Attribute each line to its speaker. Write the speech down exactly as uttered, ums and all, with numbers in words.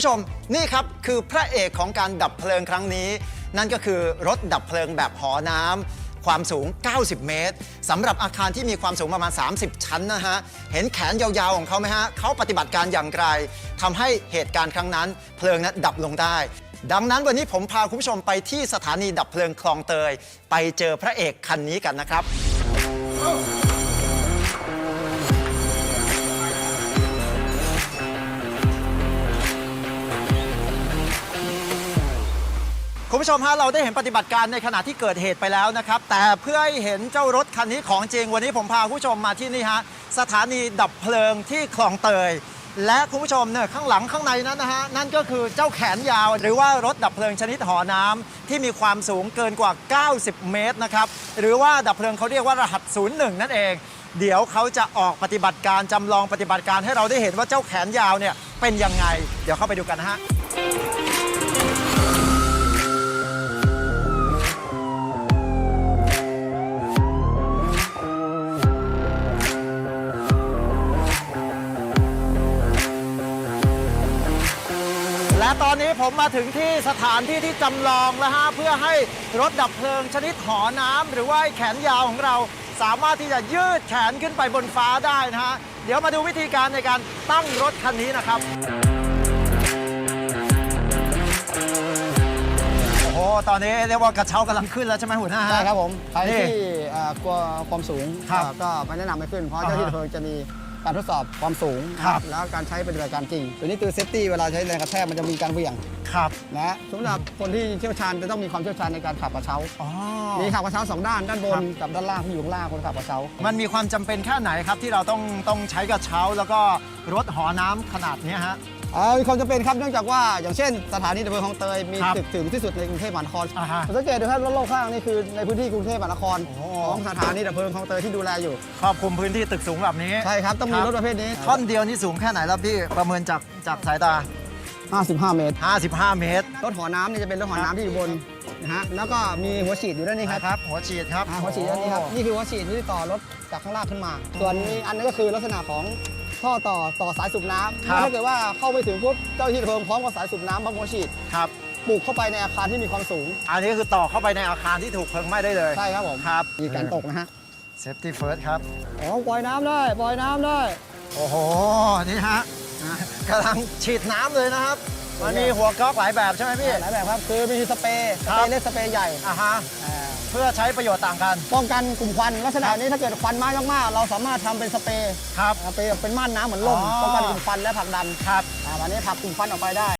Speaker 1: ผู้ชมนี่ครับคือพระเอกของการดับเพลิงครั้งนี้นั่นก็คือรถดับเพลิงแบบหอน้ำความสูงเก้าสิบเมตรสำหรับอาคารที่มีความสูงประมาณสามสิบชั้นนะฮะเห็นแขนยาวๆของเขาไหมฮะเขาปฏิบัติการอย่างไรทำให้เหตุการณ์ครั้งนั้นเพลิงนั้นดับลงได้ดังนั้นวันนี้ผมพาคุณผู้ชมไปที่สถานีดับเพลิงคลองเตยไปเจอพระเอกคันนี้กันนะครับคุณผู้ชมฮะเราได้เห็นปฏิบัติการในขณะที่เกิดเหตุไปแล้วนะครับแต่เพื่อให้เห็นเจ้ารถคันนี้ของจริงวันนี้ผมพาคุณผู้ชมมาที่นี่ฮะสถานีดับเพลิงที่คลองเตยและคุณผู้ชมเนี่ยข้างหลังข้างในนั้นนะฮะนั่นก็คือเจ้าแขนยาวหรือว่ารถดับเพลิงชนิดหอน้ำที่มีความสูงเกินกว่าเก้าสิบเมตรนะครับหรือว่าดับเพลิงเขาเรียกว่ารหัสศูนย์หนึ่งนั่นเองเดี๋ยวเขาจะออกปฏิบัติการจำลองปฏิบัติการให้เราได้เห็นว่าเจ้าแขนยาวเนี่ยเป็นยังไงเดี๋ยวเข้าไปดูกันนะฮะและตอนนี้ผมมาถึงที่สถานที่ที่จำลองแล้วฮะเพื่อให้รถดับเพลิงชนิดหอน้ำหรือว่าแขนยาวของเราสามารถที่จะยืดแขนขึ้นไปบนฟ้าได้นะฮะเดี๋ยวมาดูวิธีการในการตั้งรถคันนี้นะครับโอ้โหตอนนี้เรียกว่ากระเช้ากำลังขึ้นแล้วใช่ไหมหัวหน้า
Speaker 2: ใช่ครับผมใครที่กลัวความสูงก็ไม่แนะนำไม่ขึ้นเพราะเจ้าที่ดับเพลิงจะมีการทดสอบความสูงแล้วการใช้ปฏิบัติการจริงตัวนี้คือเซฟตี้เวลาใช้แรงกระแทกมันจะมีการเหวี่ยง
Speaker 1: ครับ
Speaker 2: นะสำหรับคนที่เชี่ยวชาญจะต้องมีความเชี่ยวชาญในการขับกระเช้ามีขับกระเช้าสองด้านด้านบนกับด้านล่างที่อยู่ข้างล่างคนขับกระเช้า
Speaker 1: มันมีความจำเป็นแค่ไหนครับที่เราต้องต้องใช้กระเช้าแล้วก็รถหอน้ำขนาดนี้ฮะ
Speaker 2: มีความจำเป็นครับเนื่องจากว่าอย่างเช่นสถานีดับเพลิงคลองเตยมีตึกสูงที่สุดในกรุงเทพมหานครสังเกตดูครับรถโลกข้างนี่คือในพื้นที่กรุงเทพมหานครของสถานีดับเพลิงคลองเตยที่ดูแลอยู่
Speaker 1: ครอบคลุมพื้นที่ตึกสูงแบบนี้
Speaker 2: ใช่ครับต้องมีรถประเภทนี้
Speaker 1: ท่อนเดียวนี่สูงแค่ไหนแล้วพี่ประเมินจากจากสายตา
Speaker 2: ห้าสิบห้าเมตร
Speaker 1: ห้าสิบห้าเมตร
Speaker 2: รถหอน้ำนี่จะเป็นรถหอน้ำที่อยู่บนนะฮะแล้วก็มีหัวฉีดอยู่ด้านนี้ครับ
Speaker 1: หัวฉีดครับ
Speaker 2: หัวฉีดด้านนี้ครับนี่คือหัวฉีดที่ต่อรถจากข้างล่างขึ้นมาส่วนนี้อันนี้ก็คือลักษณะของท่อต่อต่อสายสูบน้ำถ้าเกิดว่าเข้าไปถึงปุ๊บเจ้าหน้าที่ดับเพลิงพร้อมกับสายสูบน้ำพร้อมหัวฉีด
Speaker 1: ครับ
Speaker 2: ปลูกเข้าไปในอาคารที่มีความสูง
Speaker 1: อันนี้คือต่อเข้าไปในอาคารที่ถูกเพลิงไหม้ได้เลย
Speaker 2: ใช่ครับผม
Speaker 1: ครับ
Speaker 2: มีการตกนะฮะ
Speaker 1: Safety First ครับ
Speaker 2: อ๋อปล่อยน้ำได้ปล่อยน้ำได้
Speaker 1: โอ้โหนี่ฮะกำลังฉีดน้ำเลยนะครับมันมีหัวก๊อกหลายแบบใช่ไหมพี่
Speaker 2: หลายแบบครับคือมีสเปรย์สเปรย์เล็กสเปรย์ใหญ่
Speaker 1: อ่าฮะเพื่อใช้ประโยชน์ต่างกัน
Speaker 2: ป้องกันกลุ่มควันลักษณะนี้ถ้าเกิดควันมากมากเราสามารถทำเป็นสเปรย์
Speaker 1: ครับ
Speaker 2: เป็นเป็นม่านน้ำเหมือนลมป้องกันกลุ่มควันและผลักดัน
Speaker 1: ครับ
Speaker 2: วันนี้ผลักกลุ่มควันออกไปได้